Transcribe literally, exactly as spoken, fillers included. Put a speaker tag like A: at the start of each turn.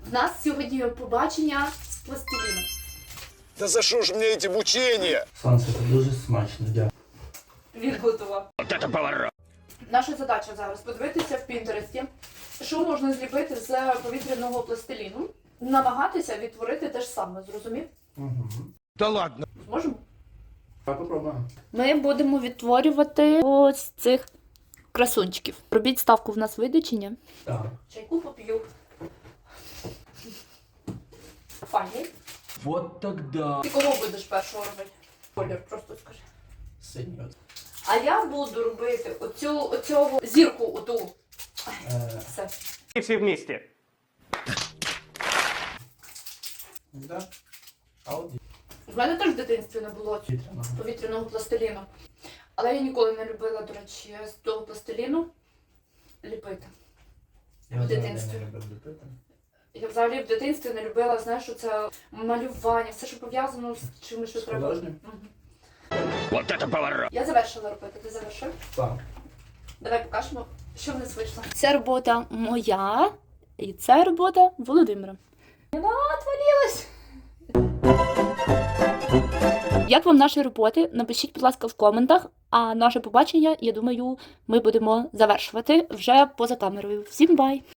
A: У нас сьогодні побачення з пластиліном.
B: Та за що ж мені ці мучення?
C: Сонце, це дуже смачно, дякую.
A: Він готував.
B: От це поворот.
A: Наша задача зараз подивитися в Пінтересті, що можна зліпити з повітряного пластиліну, намагатися відтворити те ж саме, зрозумів?
C: Угу.
B: Та ладно.
A: Зможемо?
C: Давай попробуємо.
A: Ми будемо відтворювати ось цих красунчиків. Робіть ставку, в нас вийде чи ні?
C: Так.
A: Чайку поп'ю. Файний.
C: Вот тогда.
A: Ти кого будеш першого робити? Колір, просто скажи.
C: Синьо.
A: А я буду робити оцю, оцього зірку оту.
C: Е,
A: Все.
D: И все вместе.
C: да? Ауді.
A: В мене теж в дитинстві не було цього
C: Вітряного.
A: повітряного пластиліну. Але я ніколи не любила, до речі, з того пластиліну ліпити.
C: Я
A: В
C: взагалі
A: дитинстві.
C: не любив ліпити.
A: Я взагалі в дитинстві не любила, знаєш, що це малювання, все, що пов'язано з чимось, що
C: З
A: треба.
C: художнім?
A: Мгм.
B: Вот це поворот.
A: Я завершила робити. Ти завершив?
C: Так.
A: Давай покажемо, що в нас вийшло. Це робота моя, і це робота Володимира. Вона отвалилась! Як вам наші роботи? Напишіть, будь ласка, в коментах. А наше побачення, я думаю, ми будемо завершувати вже поза камерою. Всім бай!